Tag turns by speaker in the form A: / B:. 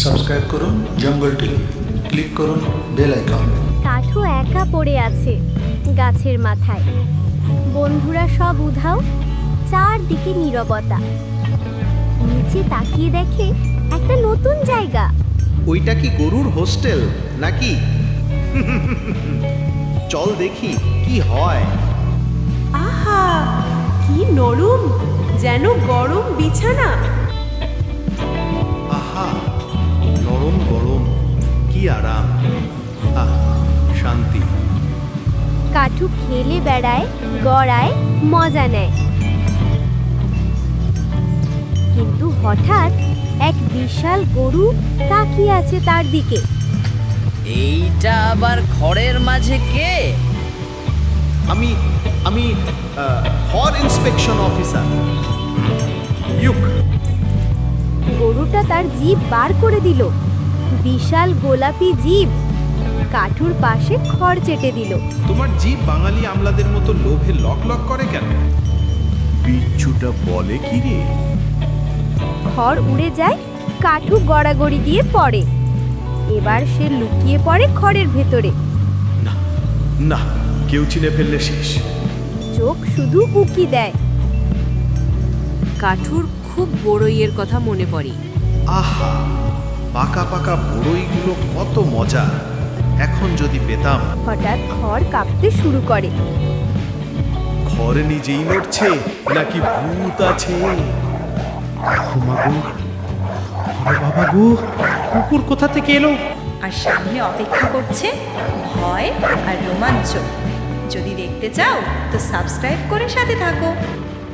A: Subscribe করুন Jungle TV, click করুন bell icon.
B: কাঠু একা পড়ে আছে গাছের মাথায়। বন্ধুরা সব উধাও, চারদিকে নীরবতা। নিচে তাকিয়ে দেখে একটা নতুন জায়গা।
C: ওইটা কি গরুর হোস্টেল নাকি? চল দেখি কি হয়।
D: আহা, কি নরম, যেন গরম বিছানা।
C: আহা, নরম গরম, কি আরাম। আহ, শান্তি।
B: কাঠু খেলে বেড়ায়, গড়ায়, মজা নেয়। কিন্তু হঠাৎ এক বিশাল গরু তাকিয়ে আছে তার দিকে।
E: এইটা আবার ঘরের মাঝে কে?
C: আমি আমি হর ইন্সপেকশন অফিসার ইউক।
B: গরুটা তার জিভ বার করে দিল, বিশাল গোলাপি জিভ। কাঠুর পাশে খড় চেটে দিল।
C: তোমার জিভ বাঙালি আমলাদের মতো লোভে লক লক করে কেন? বিচ্ছুটা বলে কি রে?
B: খড় উড়ে যায়, কাঠু গড়াগড়ি দিয়ে পড়ে। এবার সে লুকিয়ে পড়ে খড়ের ভেতরে।
C: না না, কেউ চিনে ফেললে শেষ।
B: চোখ শুধু উকি দেয়।
D: কাঠুর খুব বড়ইয়ের কথা মনে পড়ে।
C: আহা, পাকা পাকা বড়ইগুলো কত মজা। এখন যদি পেতাম।
B: হঠাৎ খড় কাঁপতে শুরু করে।
C: ঘরে নিজেই নড়ছে নাকি ভূত আছে? বাবা গো, কুকুর কোথা থেকে এলো?
F: আর সামনে অপেক্ষা করছে ভয় আর রোমাঞ্চ। যদি দেখতে চাও তো সাবস্ক্রাইব করে সাথে থাকো।